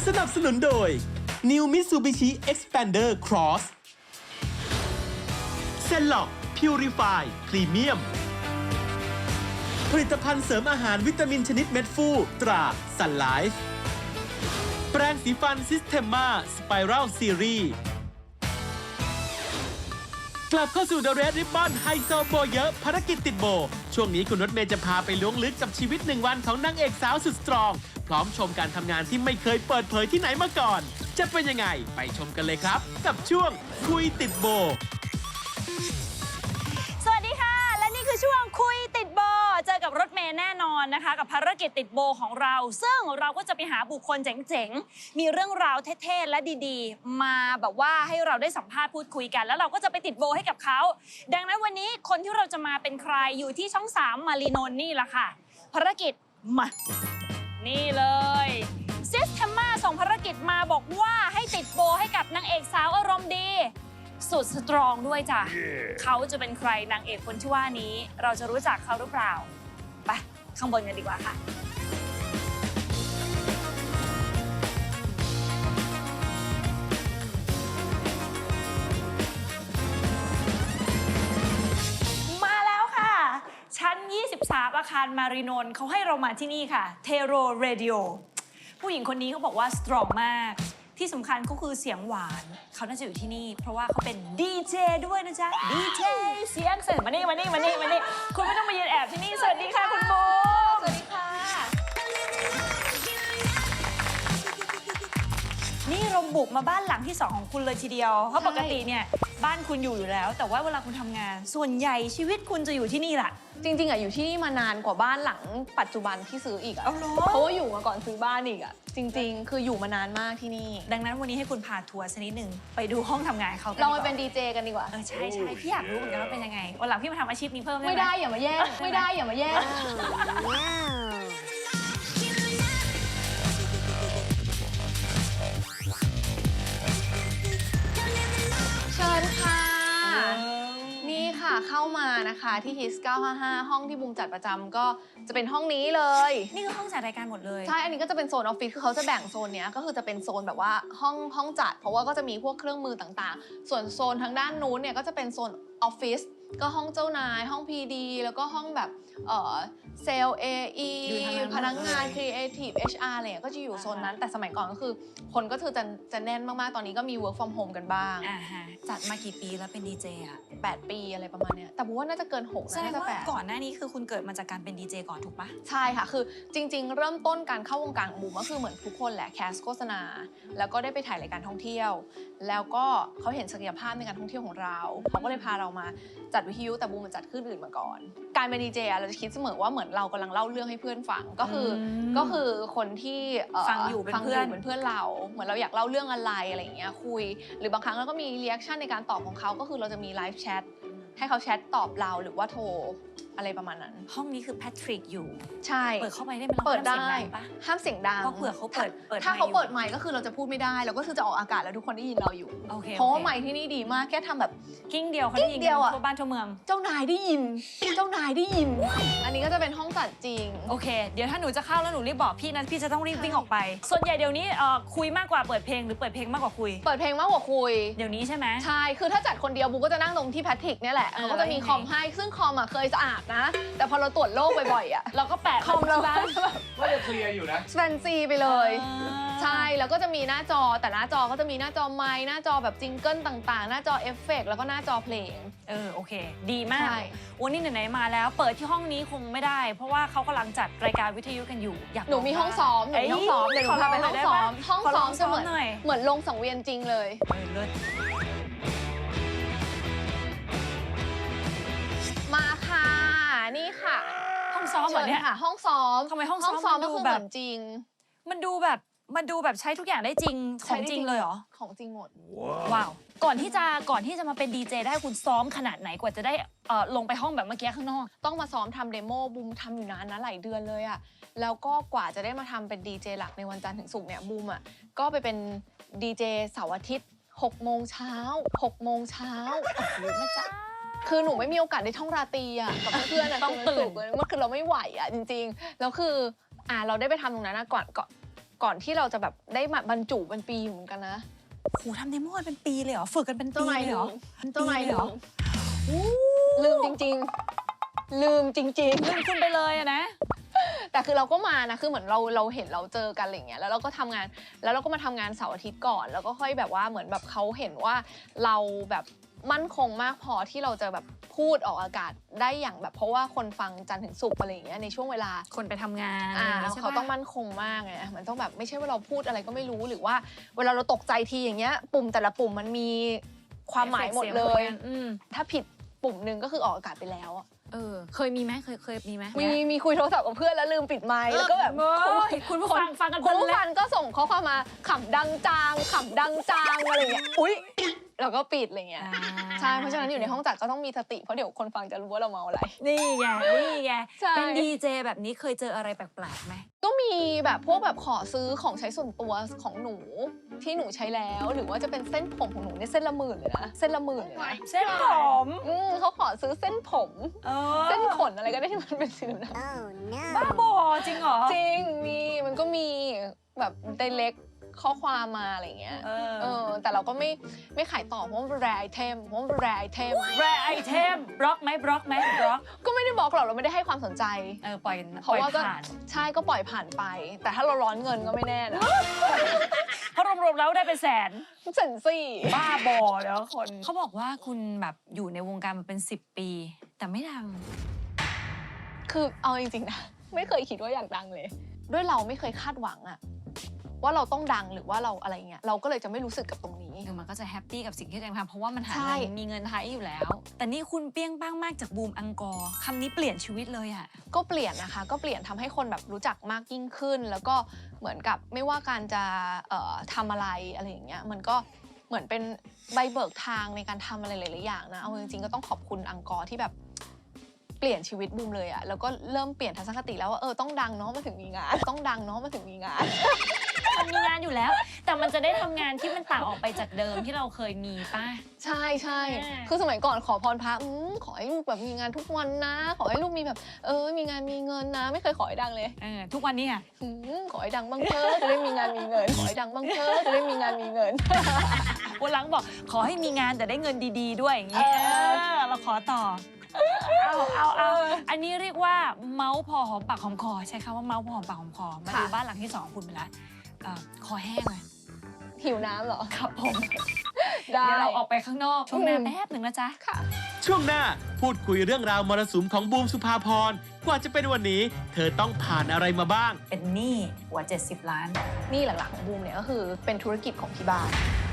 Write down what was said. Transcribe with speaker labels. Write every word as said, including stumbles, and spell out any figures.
Speaker 1: สนับสนุนโดย New Mitsubishi Xpander Cross เซนล็อก Purify Premium ผลิตภัณฑ์เสริมอาหารวิตามินชนิดเม็ดฟูตรา Sun Life แปรงสีฟัน Systema Spiral Series กลับเข้าสู่ The Red Ribbon ไฮโซโบเยอะภารกิจติดโบช่วงนี้คุณรถเมย์จะพาไปล้วงลึกกับชีวิตหนึ่งวันของนางเอกสาวสุดสตรองพร้อมชมการทำงานที่ไม่เคยเปิดเผยที่ไหนมาก่อนจะเป็นยังไงไปชมกันเลยครับกับช่วงคุยติดโบ
Speaker 2: สวัสดีค่ะและนี่คือช่วงคุยติดโบเจอกับรถเมย์แน่นอนนะคะกับภารกิจติดโบของเราซึ่งเราก็จะไปหาบุคคลเจ๋งๆมีเรื่องราวเท่ๆและดีๆมาแบบว่าให้เราได้สัมภาษณ์พูดคุยกันแล้วเราก็จะไปติดโบให้กับเขาดังนั้นวันนี้คนที่เราจะมาเป็นใครอยู่ที่ช่องสามมารีนนท์นี่แหละค่ะภารกิจมานี่เลยซิสเทมมาส่งภารกิจมาบอกว่าให้ติดโบให้กับนางเอกสาวอารมณ์ดีสุดสตรองด้วยจ้ะ yeah. เขาจะเป็นใครนางเอกคนที่ว่านี้เราจะรู้จักเขาหรือเปล่าไปข้างบนกันดีกว่าค่ะมาแล้วค่ะชั้นยี่สิบสามอาคารมารีนนท์เขาให้เรามาที่นี่ค่ะเทโรเรดิโอผู้หญิงคนนี้เขาบอกว่าสตรองมากที่สำคัญก็คือเสียงหวานเขาน่าจะอยู่ที่นี่เพราะว่าเขาเป็นดีเจด้วยนะจ๊ะดีเจเสียงเสร็จมานี่มานี่มานี่มานี่คุณไม่ต้องมายืนแอบที่นี่สวัสดีค่ะคุณโบสวัสดีค่ะนี่เราบุกมาบ้านหลังที่สองของคุณเลยทีเดียวเพราะปกติเนี่ยบ้านคุณอยู่อยู่แล้วแต่ว่าเวลาคุณทำงานส่วนใหญ่ชีวิตคุณจะอยู่ที่นี่แหละ
Speaker 3: จริงๆอ่ะอยู่ที่นี่มานานกว่าบ้านหลังปัจจุบันที่ซื้ออีกอ่ะเพราะว่าอยู่มาก่อนซื้อบ้านอีกอ่ะจริงๆคืออยู่มานานมากที่นี่
Speaker 2: ดังนั้นวันนี้ให้คุณพาทัวร์สักนิดหนึ่งไปดูห้องทำงานเขา
Speaker 3: เราไปเป็นดีเจกันดีกว่า
Speaker 2: เออใช่ใช่พี่อยากรู้เหมือนกันว่าเป็นยังไงวันหลังพี่มาทำอาชีพนี้เพิ่มได้ไหม
Speaker 3: ไม่ได้อย่ามาแย่งไม่ได้อย่ามาแย่งเชิญค่ะนี่ค่ะเข้ามานะคะที่ ฮิตส์ เก้าห้าห้าห้องที่บูมจัดประจำก็จะเป็นห้องนี้เลย
Speaker 2: นี่คือห้องจัดรายการหมดเลย
Speaker 3: ใช่อันนี้ก็จะเป็นโซนออฟฟิศคือเขาจะแบ่งโซนเนี้ยก็คือจะเป็นโซนแบบว่าห้องห้องจัดเพราะว่าก็จะมีพวกเครื่องมือต่างๆส่วนโซนทางด้านนู้นเนี่ยก็จะเป็นโซนออฟฟิศก็ห้องเจ้านายห้อง พี ดี แล้วก็ห้องแบบเอ่อเซลล์ เอ อี พนักงาน Creative เอช อาร์ อะไรก็จะอยู่โซนนั้นแต่สมัยก่อนก็คือคนก็คือจะจะแน่นมากๆตอนนี้ก็มี work from home กันบ้าง
Speaker 2: อ่าฮะจัดมากี่ปีแล้วเป็นดีเจอะ
Speaker 3: แปดปีอะไรประมาณเนี้ยแต่ผมว่าน่าจะเกินหกนะน่าจะแปด
Speaker 2: ก่อนหน้านี้คือคุณเกิดมาจากการเป็นดีเจก่อนถูกปะ
Speaker 3: ใช่ค่ะคือจริงๆเริ่มต้นการเข้าวงการของบูมก็คือเหมือนทุกคนแหละแคสโฆษณาแล้วก็ได้ไปถ่ายรายการท่องเที่ยวแล้วก็เขาเห็นศักยภาพในการท่องเที่ยวของเราเขาก็เลยพาเรามาจัดวิทยุแต่บูมมันจัดขึ้นอื่นมาก่อนการเป็นดีเจเราจะคิดเสมอว่าเหมือนเรากำลังเล่าเรื่องให้เพื่อนฟังก็คือก็คือคนที่
Speaker 2: ฟังอยู่เป็นเพื่อน
Speaker 3: เป็นเพื่อนเราเหมือนเราอยากเล่าเรื่องอะไรอะไรอย่างเงี้ยคุยหรือบางครั้งเราก็มีรีแอคชั่นในการตอบของเขาก็คือเราจะมีไลฟ์แชทให้เขาแชทตอบเราหรือว่าโทรอะไรประมาณนั้น
Speaker 2: ห้องนี้คือแพทริกอยู่
Speaker 3: ใช่
Speaker 2: เปิดเข้าไปได้ไหม
Speaker 3: เปิดได้ห้ามเสียงดัง
Speaker 2: เพราะเผื่อเขาเปิด
Speaker 3: ถ้าเขาเปิดไมค์ก็คือเราจะพูดไม่ได้เราก็คือจะออกอากาศแล้วทุกคนได้ยินเราอยู่เพราะว่าไมค์ที่นี่ดีมากแค่ทำแบบ
Speaker 2: กิ้งเดียวเขาได้ยินทั่วบ้านทั่วเมือง
Speaker 3: เจ้านายได้ยินเจ้านายได้ยินอันนี้ก็จะเป็นห้องจัดจริง
Speaker 2: โอเคเดี๋ยวถ้าหนูจะเข้าแล้วหนูรีบบอกพี่นะพี่จะต้องรีบวิ่งออกไปส่วนใหญ่เดี๋ยวนี้คุยมากกว่าเปิดเพลงหรือเปิดเพลงมากกว่าคุย
Speaker 3: เปิดเพลงมากกว่าคุย
Speaker 2: เดี๋ยวนี้ใช่ไหม
Speaker 3: ใช่คือถ้าจัดคนเดียวบูก็จะนั่งตรงที่แพทริกเนี่ยแหละเขาก็จะมีคอมให้ซึ่งคอมอ่ะเคยสะอาดนะแต่พอเราตรวจโรคบ่อยๆอ่ะ
Speaker 2: เราก็แปะ
Speaker 3: คอมเราแบบ
Speaker 4: ว่าจะเคลียร์อยู่นะ
Speaker 3: แฟนซีไปเลยใช่แล้วก็จะมีหน้าจอแต่หน้าจอก็จะมีหน้าจอไมค์หน้าจอแบบจิงเกิลต่างๆหน้าจอเอฟเฟกต์แล้วก็หน้าจอเพลง
Speaker 2: เออโอเคดีมากวันนี้ไหนๆมาแล้วเปิดที่ห้องนี้คงไม่ได้เพราะว่าเขากำลังจัดรายการวิทยุกันอยู่อยาก
Speaker 3: หนูมีห้องซ้อมหนูมีห้องซ้อมเดี๋ยวหนูพาไปห้องซ้อมห้องซ้อมจะเหมือนเหมือนลงสังเวียนจริงเลยมาค่ะนี่ค่ะ
Speaker 2: ห้องซ้อมเหรอเนี่ย
Speaker 3: ค่ะห้องซ้อม
Speaker 2: ทำไมห้องซ้อมมันดูแบบ
Speaker 3: จริง
Speaker 2: มันดูแบบมันดูแบบใช้ทุกอย่างได้จริงของจริงเลยเหรอ
Speaker 3: ของจริงหมด
Speaker 2: ว้าวก่อนที่จะก่อนที่จะมาเป็นดีเจได้คุณซ้อมขนาดไหนกว่าจะได้เอ่อลงไปห้องแบบเมื่อกี้ข้างนอก
Speaker 3: ต้องมาซ้อมทำเดโมบูมทำอยู่นานนะหลายเดือนเลยอะแล้วก็กว่าจะได้มาทำเป็นดีเจหลักในวันจันทร์ถึงศุกร์เนี่ยบูมอะก็ไปเป็นดีเจเสาร์อาทิตย์หกโมงเช้าหกโมงเช้า
Speaker 2: โอ้โหแม่จ้า
Speaker 3: คือหนูไม่มีโอกาสได้ท่องราตรีอ่ะกับเพื่อนๆ
Speaker 2: ต้องตื่น
Speaker 3: เมื่อคือเราไม่ไหวอ่ะจริงๆแล้วคืออ่าเราได้ไปทำตรงนั้นนะก่อนก่อนก่อนที่เราจะแบบได้มาบรรจุเป็นปีอยู่เหมือนกันนะ
Speaker 2: โหทำเดโมกันเป็นปีเลยเหรอ ฝึกกันเป็นปี
Speaker 3: เจ้านาย
Speaker 2: เลย
Speaker 3: ลื
Speaker 2: เหรอ
Speaker 3: มเจ้านาย
Speaker 2: ปีเลย
Speaker 3: ลื
Speaker 2: เหรอ
Speaker 3: มลืมจริงๆ ลืมจริง
Speaker 2: ลืมคุณไปเลยอะนะ
Speaker 3: ๆ แต่คือเราก็มานะคือเหมือนเราเราเห็นเราเจอกันอะไรเงี้ยแล้วเราก็ทำงานแล้วเราก็มาทำงานเสาร์อาทิตย์ก่อน แล้วก็ค่อยแบบว่าเหมือนแบบเขาเห็นว่าเราแบบมั่นคงมากพอที่เราจะแบบพูดออกอากาศได้อย่างแบบเพราะว่าคนฟังจันทร์ถึงศุกร์อะไรอย่างเงี้ยในช่วงเวลา
Speaker 2: คนไปทำงาน
Speaker 3: อ่า
Speaker 2: ะไร
Speaker 3: แล้ว
Speaker 2: ใช่
Speaker 3: เขา
Speaker 2: ปะ
Speaker 3: ต้องมั่นคงมากไงมันต้องแบบไม่ใช่ว่าเราพูดอะไรก็ไม่รู้หรือว่าเวลาเราตกใจทีอย่างเงี้ยปุ่มแต่ละปุ่มมันมีความหมายหมดเลย
Speaker 2: อืม
Speaker 3: ถ้าผิดปุ่มหนึ่งก็คือออกอากาศไปแล้วอะ
Speaker 2: เออ เคยมีไหมเคยเคยมีไหม
Speaker 3: มีมีคุยโทรศัพท์กับเพื่อนแล้วลืมปิดไมค์แล้วก็แบบ
Speaker 2: โอ้ยคุณผู้ฟังฟังกัน
Speaker 3: คุณผู้
Speaker 2: เพลินเลย
Speaker 3: ฟังก็ส่งข้อความมาขำดังจางขำดังจางอะไรอย่างเงี้ยอุ้ยแล้วก็ปิดอะไรเงี้ยใช่เพราะฉะนั้นอยู่ในห้องจัดก็ต้องมีสติเพราะเดี๋ยวคนฟังจะรู้ว่าเราเมาอะไร
Speaker 2: นี่ไงนี่ไง
Speaker 3: ใช่
Speaker 2: เป็นดีเจแบบนี้เคยเจออะไรแปลกๆไหม
Speaker 3: ก็มีแบบพวกแบบขอซื้อของใช้ส่วนตัวของหนูที่หนูใช้แล้วหรือว่าจะเป็นเส้นผมของหนูเนี่ยเส้นละหมื่นเลยนะเส้นละหมื่นเลยนะ
Speaker 2: เส้นผม
Speaker 3: อืมเขาขอซื้อเส้นผม
Speaker 2: เออ
Speaker 3: เส้นขนอะไรก็ได้ที่มันเป็นสีดำ
Speaker 2: บ้าบอจริงเหรอ
Speaker 3: ๆจริงมีมันก็มีแบบไดเล็กข้อความมาอะไรเงี้ย
Speaker 2: เออ
Speaker 3: เออแต่เราก็ไม่ไม่ขายต่อเพราะมันเป็นแรไอเทมเพราะมันเป็นแรไอเทม
Speaker 2: แรไอเทมบล็อกไหมบล็อกไหมบล็อก
Speaker 3: ก็ไม่ได้บอกหรอกเราไม่ได้ให้ความสนใจ
Speaker 2: เออปล่อย
Speaker 3: เพ
Speaker 2: ปล่
Speaker 3: ราะ
Speaker 2: อย
Speaker 3: ว่าก็
Speaker 2: ผ่าน
Speaker 3: ใช่ก็ปล่อยผ่านไป แต่ถ้าเราร้อนเงินก็ไม่แน่นะ
Speaker 2: เพราะรวมๆแล้วได้เป็นแสน
Speaker 3: เซนซี่
Speaker 2: บ้าบอแล้วคนเขาบอกว่าคุณแบบอยู่ในวงการมาเป็นสิบปี แต่ไม่ดัง
Speaker 3: คือเอาจริงๆนะไม่เคยคิดว่าอยากดังเลย ด้วยเราไม่เคยคาดหวังอะว่าเราต้องดังหรือว่าเราอะไรเงี้ยเราก็เลยจะไม่รู้สึกกับตรงนี้
Speaker 2: คือมันก็จะแฮปปี้กับสิ่งที่ตัวเองทำเพราะว่ามันหา
Speaker 3: ใช่
Speaker 2: เงินมีเงินใช้อยู่แล้ว แต่นี่คุณเปี้ยงป้างมากจากบูมอังกอร์คำนี้เปลี่ยนชีวิตเลยอะ
Speaker 3: ก็เปลี่ยนนะคะก็เปลี่ยนทำให้คนแบบรู้จักมากยิ่งขึ้น แล้วก็เหมือนกับไม่ว่าการจะเอ่อทำอะไรอะไรอย่างเงี้ยมันก็เหมือนเป็นใบเบิกทางในการทำอะไรหลายๆอย่างนะเอาจริงๆก็ต้องขอบคุณอังกอร์ที่แบบเปลี่ยนชีวิตบูมเลยอะแล้วก็เริ่มเปลี่ยนทัศนคติแล้วว่าเออต้องดังเนาะมันถึงมีงานต้องดังเนาะมันถึงมีงาน
Speaker 2: มันมีงานอยู่แล้ว แต่มันจะได้ทำงานที่มันต่างออกไปจากเดิมที่เราเคยมีป่ะ
Speaker 3: ใช่ใช่
Speaker 2: อ่า
Speaker 3: คือสมัยก่อนขอพรพระอืมขอให้ลูกแบบมีงานทุกวันนะ ขอให้ลูกมีแบบ เออ มีงานมีเงินนะ ไม่เคยขอให้ดังเลย
Speaker 2: เออทุกวันนี้อะ
Speaker 3: อืมขอให้ดังบ้างเถอะจะได้มีงานมีเงิน ขอให้ดังบ้างเถอะจะได้มีงานมีเงิน
Speaker 2: วันหลังบอกขอให้มีงานแต่ได้เงินดีๆด้วยอย่างงี้
Speaker 3: เออ
Speaker 2: เออเราขอต่อ เอาเอาเอาอันนี้เรียกว่าเมาส์พอหอมปากหอมคอใช้คำว่าเมาส์พอหอมปากหอมคอมาดูบ้านหลังที่สองของคุณไปแล้วเอ่อคอแห้งเลย
Speaker 3: หิวน้ำเหรอ
Speaker 2: ครับผม
Speaker 3: ได้
Speaker 2: เดี๋ยวเราออกไปข้างนอกช่วงหน้า
Speaker 3: อืม
Speaker 2: แป๊บหนึ่งนะจ๊ะ
Speaker 3: ค่ะ
Speaker 1: ช่วงหน้าพูดคุยเรื่องราวมรสุมของบูมสุภาพรกว่าจะเป็นวันนี้ เธอต้องผ่านอะไรมาบ้าง
Speaker 2: เป็นหนี้กว่าเจ็ดสิบล้าน
Speaker 3: นี่หลักๆของบูมเนี่ยก็คือเป็นธุรกิจของที่บ้าน